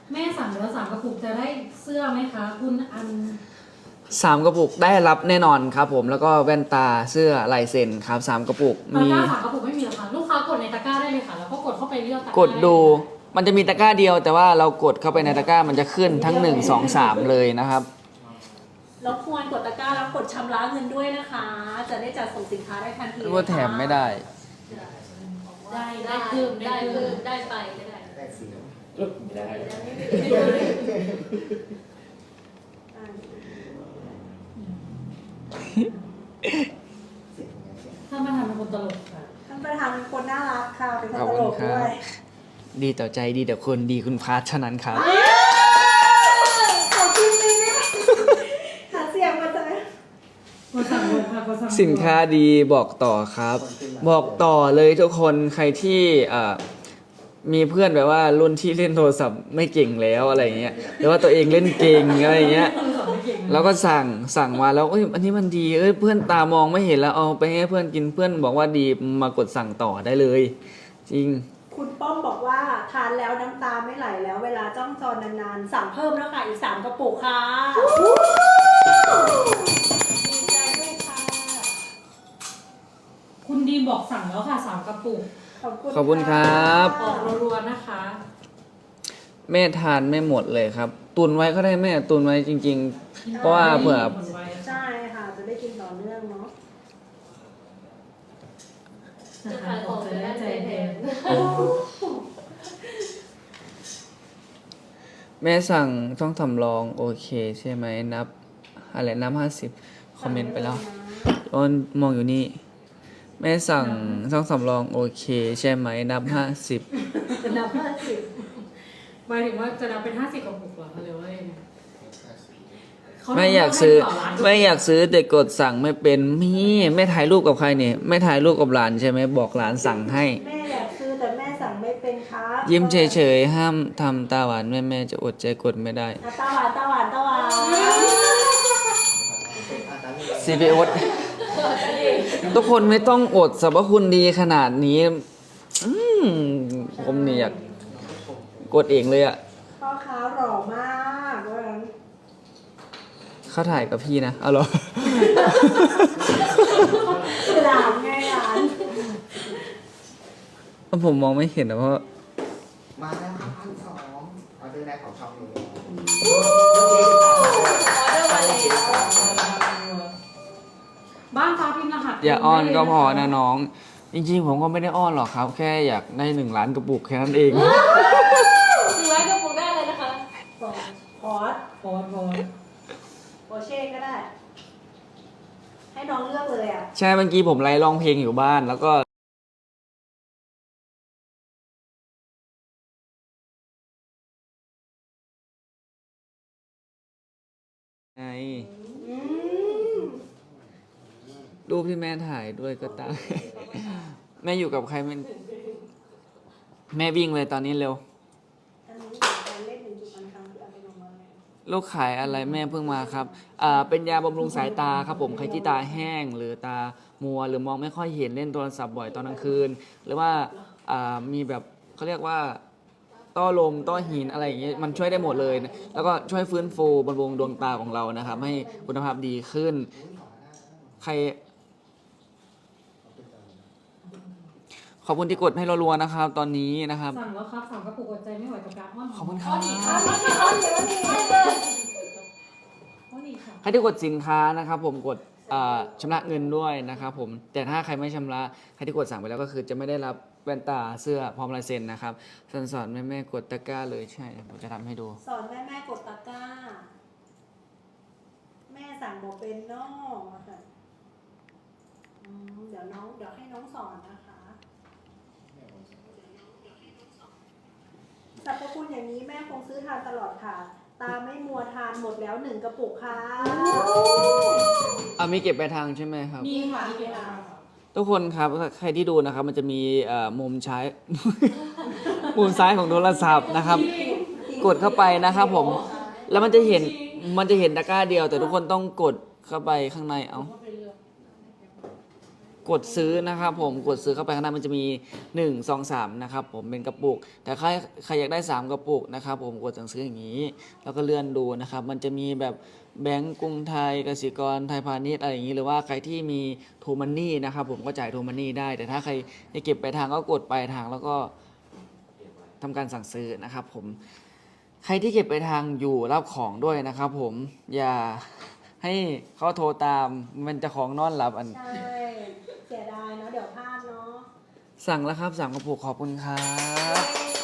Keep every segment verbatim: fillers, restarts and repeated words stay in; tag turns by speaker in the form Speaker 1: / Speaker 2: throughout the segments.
Speaker 1: แม่สั่งแล้วสามกระปุกจะได้เสื้อไหมคะคุณอัน
Speaker 2: สามกระปุกได้รับแน่นอนครับผมแล้วก็แว่นตาเสื้อลายเซ็นครับสามกระปุก
Speaker 1: ตะ
Speaker 2: มี
Speaker 1: กร้าสามกระปุกไม่มีหรอคะลูกค้ากดในตะกร้าได้เลยค่ะแล้วก็กดเข้าไปเลือกตะกร้าก
Speaker 2: ดดูมันจะมีตะกร้าเดียว แต่ว่าเรากดเข้าไปในตะกร้ามันจะขึ้นทั้งหนึ่งสองสามเลยนะครับ
Speaker 3: รบกวนกดตะกร้าแล้วกดชำระเงินด้วยนะคะ จะได้จัดส่งสินค้าได้ทันที
Speaker 2: ว่าแถมไม่ได้
Speaker 1: ได้ได้เพิ่มได้เพิ่มได้ไปได้
Speaker 4: ได้ฟรี
Speaker 5: ไม่ได้
Speaker 1: ท่านประธานเป็นคนตลกค่ะ
Speaker 3: ท่านประธานเป็นคนน่ารักค่ะเป็นคน
Speaker 2: ขอบ
Speaker 3: ต
Speaker 2: คุ
Speaker 3: ล
Speaker 2: ณ
Speaker 3: ก
Speaker 2: ครั
Speaker 3: ด้
Speaker 2: บ
Speaker 3: วย
Speaker 2: ดีต่อใจดีต่อคนดีคุณพาร์ทเท่านั้นครับ
Speaker 3: ขอบคุณเลยนะหาเสียงมาจ้ะ
Speaker 1: กดสั่งลงค่ะกดสั่งลง
Speaker 2: สินค้าดีบอกต่อครับ บอกต่อเลยทุกคนใครที่อ่ามีเพื่อนแบบว่ารุ่นที่เล่นโทรศัพท์ไม่เก่งแล้วอะไรเงี้ยหรือว่าตัวเองเล่นเก่งอะไรเงี้ยแล้วก็สั่งสั่งมาแล้วเอ้ยอันนี้มันดีเอ้ยเพื่อนตามองไม่เห็นแล้วเอาไปให้เพื่อนกินเพื่อนบอกว่าดีมากดสั่งต่อได้เลย จริง
Speaker 3: คุณป้อมบอกว่าทานแล้วน้ำตาไม่ไหลแล้ว เวลาจ้องจอนานๆสั่งเพิ่มแล้วค่ะอีกสามกระปุกค่ะดีใจด้วยค่ะ
Speaker 1: คุณดีบอกสั่งแล้วค่ะสามกระปุก
Speaker 3: ขอบคุณ
Speaker 2: ขอบคุณครับ
Speaker 1: ออกรัวๆนะคะ
Speaker 2: แม่ทานไม่หมดเลยครับ ตุนไว้ก็ได้แม่ตุนไว้จริง ๆ เพราะว่าเผื่อ
Speaker 3: ใช่ค่ะจะได้กินต่อเนื่องเนาะ
Speaker 1: จะขายของจะได้ใจแทน
Speaker 2: แม่สั่งต้องสำรองโอเคใช่ไหมนับอะไรนับห้าสิบคอมเมนต์ไปแล้วอ้นมองอยู่นี่ แม่สั่งต้องสำรองโอเคใช่ไหมนับห้าสิบ
Speaker 3: จะนับห้าสิบ
Speaker 1: หมายถึงว่าจะนับเป็นห้าสิบกระปุกเหรอคะหรือว่ายังไงเข
Speaker 2: ไม่อยากซื้อ
Speaker 1: ให้ต่ร้าน
Speaker 2: ไม่อยากซื้อแต่กดสั่งไม่เป็นมีไม่ถ่ายรูปกับใครเนี่ยไม่ถ่ายรูปกับหลานใช่ไหมบอกหลานสั่งให้
Speaker 3: แม่อยากซื้อแต่แม่สั่งไม่เป็นครับ
Speaker 2: ยิ้มเฉยๆห้ามทำตาหวานแม่แม่จะอดใจกดไม่ได้
Speaker 3: อ่ะตาหวานตาหวานตาหวาน
Speaker 2: ซีพีโอสทุกคนไม่ต้องอดสรรพคุณดีขนาดนี้ อืมผมเนี่ยอยากกดเองเลยอะ
Speaker 3: พ่อค้าหล่อมากว่างั้น
Speaker 2: เขาถ่ายกับพี่นะเอาเหรอ
Speaker 3: หลานไงหลาน
Speaker 2: ผมมองไม่เห็นนะเพราะ
Speaker 4: มาแล้วครับพันสองออเดอร์แรกของช่องนี้
Speaker 1: บ้านฟ้าพิมพ์รหัส
Speaker 2: อย่าอ้อนก็พอ
Speaker 1: ได้
Speaker 2: นะ
Speaker 1: เลย
Speaker 2: น้อง จริงๆ ผมก็ไม่ได้อ้อนหรอกครับ แค่อยากได้หนึ่งล้านกระปุกแค่นั้นเอง
Speaker 6: หนึ่งร้อยกระปุกได้เลยนะคะ
Speaker 3: บอกพอส
Speaker 1: พอพอ
Speaker 3: โอเช่ก็ได้ ให้น้องเลือกเลยอ่ะ
Speaker 2: ใช่เมื่อกี้ผมไล่ร้องเพลงอยู่บ้านแล้วก็ไง
Speaker 3: อืม
Speaker 2: รูปที่แม่ถ่ายด้วยก็ตาม แม่อยู่กับใครมันแม่วิ่งเลยตอนนี้เร็ว
Speaker 3: อันนี้เดี๋ยวไปเล่นหนึ่งจุดอันครั้งคือเอาไปลงมาเลย
Speaker 2: ลูกขายอะไรแม่เพิ่งมาครับอ่าเป็นยาบำรุงสายตาครับผมใครที่ตาแห้งหรือตามัวหรือมองไม่ค่อยเห็นเล่นโทรศัพท์บ่อยตอนกลางคืน หรือว่าอ่ามีแบบเขาเรียกว่าต้อลมต้อหินอะไรอย่างเงี้ยมันช่วยได้หมดเลยนะแล้วก็ช่วยฟื้นฟูบำรุงดวงตาของเรานะครับ ให้คุณภาพดีขึ้น ใครขอบคุณที่กดให้รัวๆนะครับ ตอนนี้นะครับ
Speaker 1: สั่งแล้วครับสามกระปุกอดใจไม่ไหวกับการอ้อน
Speaker 2: ขอบคุณค
Speaker 1: อ้
Speaker 2: รั
Speaker 1: อนอีกค่ะ
Speaker 2: บ
Speaker 3: อ้อนอ้อนเดี๋ยวนี้
Speaker 1: อ้อนอีกค่ะ
Speaker 2: ใครที่กดสินค้านะครับผมกดอ่าชำระเงินด้วยนะครับผมแต่ถ้าใครไม่ชำระใครที่กดสั่งไปแล้วก็คือจะไม่ได้รับแว่นตาเสื้อพร้อมลายเซ็นนะครับสอนสอนแม่แม่ๆกดตะกร้าเลยใช่ผมจะทำให้ดู
Speaker 3: สอนแม่แม่กดตะกร้า แม่สั่งบอกเป็นนอกอะค่ะอืมเดี๋ยวน้องเดี๋ยวให้น้องสอนนะคะสรรพคุณอย่างนี้แม่คงซื้อทานตลอดค่ะ ตาไม่มัวทานหมดแล้วหนึ่งกระปุกค่ะ
Speaker 2: อ่ามีเก็บไปลายทางใช่ไหมครับ
Speaker 1: มีค่ะมีเก็บค่ะ
Speaker 2: ทุกคนครับใครที่ดูนะครับมันจะมีเอ่อมุมใช้ มุมซ้ายของโทรศัพท์นะครับ กดเข้าไปนะครับผมแล้วมันจะเห็นมันจะเห็นตะกร้าเดียว แต่ทุกคนต้องกดเข้าไปข้างในเอากดซื้อนะครับผมกดซื้อเข้าไปข้างหน้ามันจะมีหนึ่ง สอง สามนะครับผมเป็นกระปุกแต่ใครใครอยากได้สามกระปุกนะครับผมกดสั่งซื้ออย่างนี้ แล้วก็เลื่อนดูนะครับมันจะมีแบบแบงก์กรุงไทยกสิกรไทยพาณิชย์อะไรอย่างนี้หรือว่าใครที่มีโทมันนี่นะครับผมก็จ่ายโทมันนี่ได้แต่ถ้าใครจะเก็บปลายทางก็กดปลายทางแล้วก็ทำการสั่งซื้อนะครับผมใครที่เก็บปลายทางอยู่รับของด้วยนะครับผมอย่าให้เขาโทรตามมันจะของนอนหลับอัน
Speaker 3: ใช่เสียดายเนาะเดี๋ยวพลาดเนาะ
Speaker 2: สั่งแล้วครับสั่งกระปุกขอบคุณครับ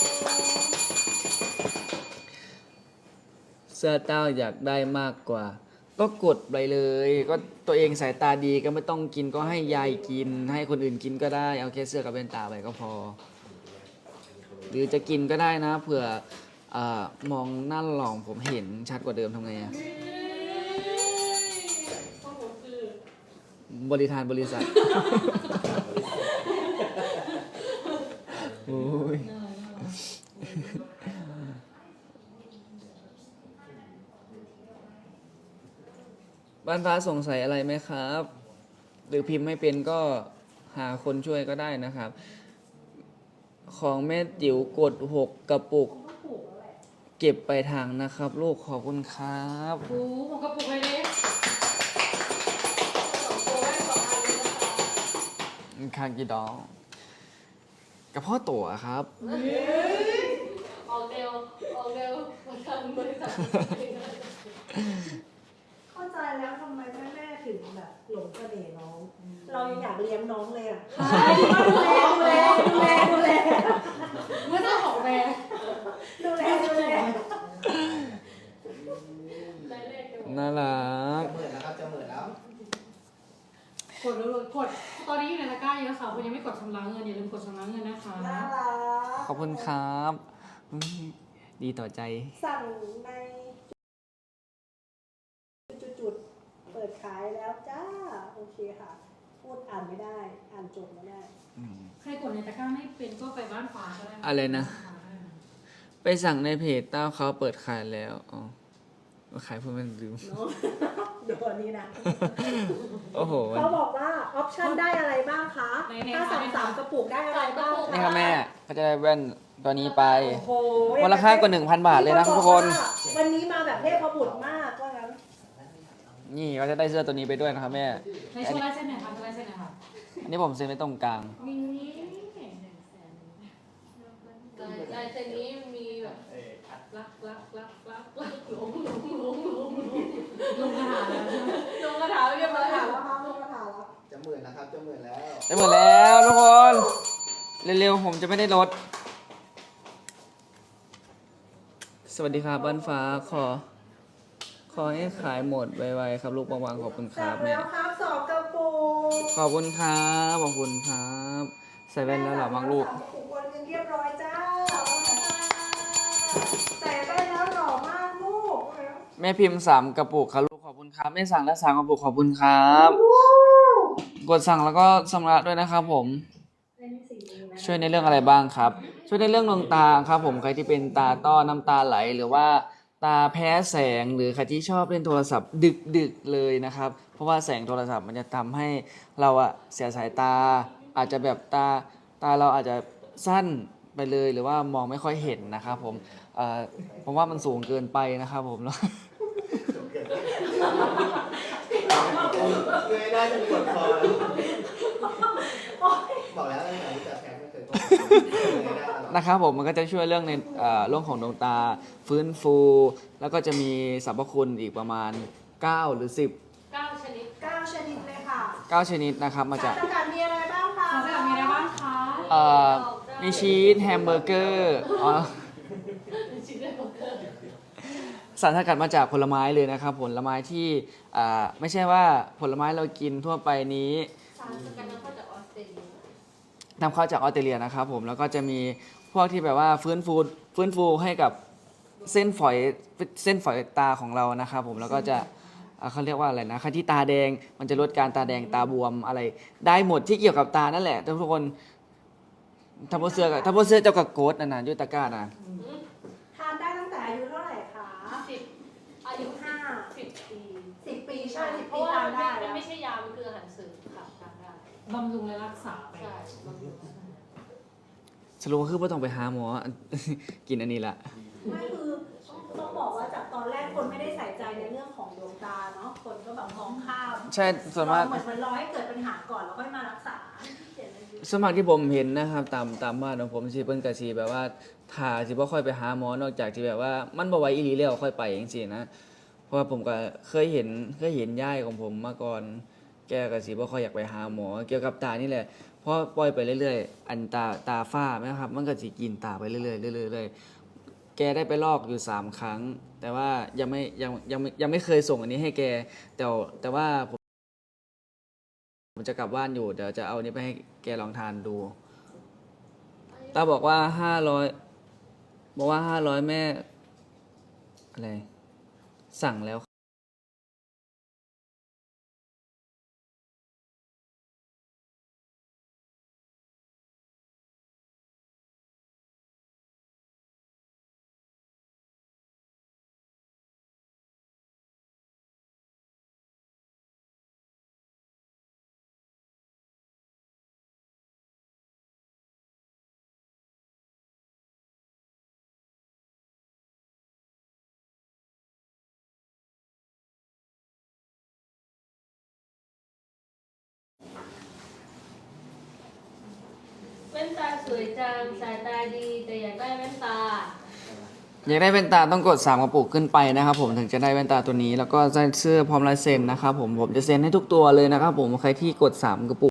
Speaker 2: เสื้อเต้าอยากได้มากกว่า ก็กดไปเลย ก็ตัวเองสายตาดีก็ไม่ต้องกินก็ให้ยายกิน ให้คนอื่นกินก็ได้เอาแค่เสื้อกับแว่นตาไปก็พอ หรือจะกินก็ได้นะเผื่อเอ่อมองหน้าหลองผมเห็นชัดกว่าเดิมทำไงอะบริทานบริษัท โอ้ยบ้านฟ้าสงสัยอะไรไหมครับ หรือพิมพ์ไม่เป็นก็หาคนช่วยก็ได้นะครับ ของแม่จิ๋วกดหกกระปุก เก็บไปทางนะครับ ลูกขอบคุณครับ
Speaker 1: โอ้โหผมกระปุกเลยเนี่ย
Speaker 2: คางกีดองกระเพาะตั๋วครับ
Speaker 6: ออกเร็วออกเร็วมาทำบริษัท
Speaker 3: เข้าใจแล้วทำไมแม่แม่ๆถึงแบบหลงเสน่ห์น้อง เรายังอยากเลี้ยงน้องเลยอ่ะดูแลดูแลดูแลดูแล
Speaker 1: เมื่อเจ้าของแบรนด์
Speaker 3: ดูแลดูแล
Speaker 6: ได้เลขกันหมด
Speaker 2: น่ารัก
Speaker 4: จะหมื่นแล้วครับจะหมื่นแล้ว
Speaker 1: กดเลยกดตอนนี้อยู่ในตะกร้าเยอะค่ะคุณยังไม่กดชำระเงินอย่าลืมกดชำระเงินนะคะ
Speaker 3: น่ารัก
Speaker 2: ขอบคุณครับอืมดีต่อใจ
Speaker 3: สั่งในจุดๆเปิดขายแล้วจ้าโอเคค่ะ พูดอ่านไม่ได้ อ่านจบไม่ได้
Speaker 1: ใครกดในตะกร้าไม่เป็นก็ไปบ้านฟ้าก็ได้
Speaker 2: อะไรนะ ไปสั่งในเพจเต้าเขาเปิดขายแล้ว อ๋อขายเพื่อมันลืม
Speaker 3: เนาะเดี๋ยวนี้นะ
Speaker 2: โอ้โห
Speaker 3: เขาบอกว่าออปชั่นได้อะไรบ้างคะ ถ้าสั่งสามกระปุกได้อะไรบ้างคะ
Speaker 2: นี่ครับแม่ก็จะได้แว่นตัวนี้ไป
Speaker 3: โอ้โห
Speaker 2: มูลค่ากว่าหนึ่งพันบาทเลยนะทุกคน
Speaker 3: วันนี้มาแบบเทพบุตรมากว่างั้น
Speaker 2: นี่ก็จะได้เสื้อตัวนี้ไปด้วยนะครับแม่
Speaker 1: ในโชว์ลายเส้นหน่อยค่ะโชว์ลายเส้นหน่อยค่ะ
Speaker 2: อันนี้ผมเซ็นไว้ตรงกลาง
Speaker 1: มี
Speaker 6: ลายลายเส้นนี้มีแบบรักรักรักรักรักหลงหลงหลงหลง
Speaker 1: ลงกระถาแล้ว
Speaker 6: ลงกระถางเรียบร้อย
Speaker 3: ถา
Speaker 6: แล้
Speaker 3: ม
Speaker 6: ว
Speaker 3: แล้วครับลูกถามแล้ว
Speaker 4: จะหมื่นแล้วครับจะหมื่นแล้ว
Speaker 2: ได้หมดแล้วทุกคน เร็วๆผมจะไม่ได้ลด สวัสดีครับบ้านฟ้าขอ ขอให้ขายหมดไวๆครับลูกบางๆขอบคุณค
Speaker 3: สั่
Speaker 2: รั
Speaker 3: ง
Speaker 2: บแม่
Speaker 3: แล้วครับสองกระปุก
Speaker 2: ขอบคุณครับขอบคุณครับ ใส่แว่นแล้วเหรอบ้างลูก
Speaker 3: สามกระปุกวันนึงเรียบร้อยจ้าใส่แว่นแล้วหล่อมากลูก
Speaker 2: แม่พิมพ์สามกระปุกครับลูกขอบคุณครับแม่สั่งแล้วสามกระปุกขอบคุณครับ กดสั่งแล้วก็ชำระด้วยนะครับผม ช่วยในเรื่องอะไรบ้างครับ ช่วยในเรื่องดวงตาครับผมใครที่เป็นตาต้อน้ำตาไหลหรือว่าตาแพ้แสงหรือใครที่ชอบเล่นโทรศัพท์ดึกดึกเลยนะครับ เพราะว่าแสงโทรศัพท์มันจะทำให้เราอะเสียสายตา อาจจะแบบตาตาเราอาจจะสั้นไปเลยหรือว่ามองไม่ค่อยเห็นนะครับผมเอ่อผมว่ามันสูงเกินไปนะครับผมแล้ว
Speaker 4: เงยได้จนปวดคอแล้วบอกแล้วตั้งแต่รู้จักแพงไม่เคยโกงเงยได้ตลอด
Speaker 2: นะครับผมมันก็จะช่วยเรื่องในเอ่อเรื่องของดวงตาฟื้นฟู แล้วก็จะมีสรรพคุณอีกประมาณเก้าหรือสิบ
Speaker 6: เก้าชนิด
Speaker 3: เก้าชนิดเลยค่ะ
Speaker 2: เก้าชนิดนะครับมาจาก
Speaker 3: สารสกัดมีอะไรบ้างคะ
Speaker 1: สารสกัดมีอะไรบ้างคะ
Speaker 2: เอ่อมีชีสแฮมเบอร์เกอร์อ๋อ
Speaker 6: ชิ้นแรกของเธอ
Speaker 2: สารสกัดมาจากผลไม้เลยนะครับผลไม้ที่อ่าไม่ใช่ว่าผลไม้เรากินทั่วไปนี้
Speaker 6: สารสกัดนำเข้าจากออสเตรเลีย
Speaker 2: นำเข้าจากออสเตรเลียนะครับผมแล้วก็จะมีพวกที่แบบว่าฟื้นฟูฟื้นฟูให้กับเส้นฝอยเส้นฝอยตาของเรานะครับผมแล้วก็จะอ่าเขาเรียกว่าอะไรนะใครที่ตาแดงมันจะลดการตาแดงตาบวมอะไร ได้หมดที่เกี่ยวกับตานั่นแหละทุกคนถ้าพวกเสื้อกับถ้าพวกเสื้อเจ้ากับโกดนะนะยุตะกร้านะ
Speaker 3: ทานได้ตั้งแต่อายุเท่าไหร่คะ
Speaker 6: สิบอายุห้าสิบปี
Speaker 3: สิบปีใช่สิบ
Speaker 6: เพ
Speaker 3: ปี
Speaker 6: ราะว่า
Speaker 3: ทาน
Speaker 6: มัน
Speaker 3: ได้
Speaker 6: ไม่
Speaker 3: แล้ว
Speaker 6: ไม่ใช่ยา มันคืออาหารเสริมค่ะทานได้
Speaker 3: โ
Speaker 1: บำรุงและรักษาไป
Speaker 6: ใช่บำรุง
Speaker 2: สรุปก็คือไม่ต้องไปหาหมอ กินอันนี้ละ
Speaker 3: ไม่คือต้องบอกว่าจากตอนแรกคนไม่ได้ใส่ใจในเรื่องของดวงตาเนาะคนก็แบบมองข้าม
Speaker 2: ใช่ส่วนมาก
Speaker 3: เหมือนมันรอให้เกิดปัญหาก่อนแล้วค่อยมารักษา
Speaker 2: สวนมัครที่ผมเห็นนะครับ ตามตามบ้านของผมสิเพิ่นก็สิแบบว่าถ้าสิบ่ค่อยไปหาหมอนอกจากที่แบบว่ามันบ่ไหวอีหลีแล้วค่อยไปจังซี่นะเพราะว่าผมก็เคยเห็นเคยเห็นยายของผมมาก่อน แกก็สิบ่ค่อยอยากไปหาหมอ เกี่ยวกับตานี่แหละเพราะปล่อยไปเรื่อยๆอันตาตาฝ้าไหมครับ มันก็สิกินตาไปเรื่อยๆเรื่อยๆเรื่อยๆแกได้ไปลอกอยู่สามครั้ง แต่ว่ายังไม่ยังยังไม่ยังไม่เคยส่งอันนี้ให้แก แต่แต่ว่าผม ผมจะกลับบ้านอยู่เดี๋ยวจะเอานี้ไปให้แกลองทานดูตาบอกว่าห้าร้อยบอกว่าห้าร้อยแม่อะไรสั่งแล้ว
Speaker 6: แว่นตาสวยจังสายตาดีแต่อยากได้แว่นตา
Speaker 2: อยากได้แว่นตาต้องกดสามกระปุกขึ้นไปนะครับผมถึงจะได้แว่นตาตัวนี้แล้วก็ได้เสื้อพร้อมลายเซ็นนะครับผมผมจะเซ็นให้ทุกตัวเลยนะครับผมใครที่กดสามกระปุก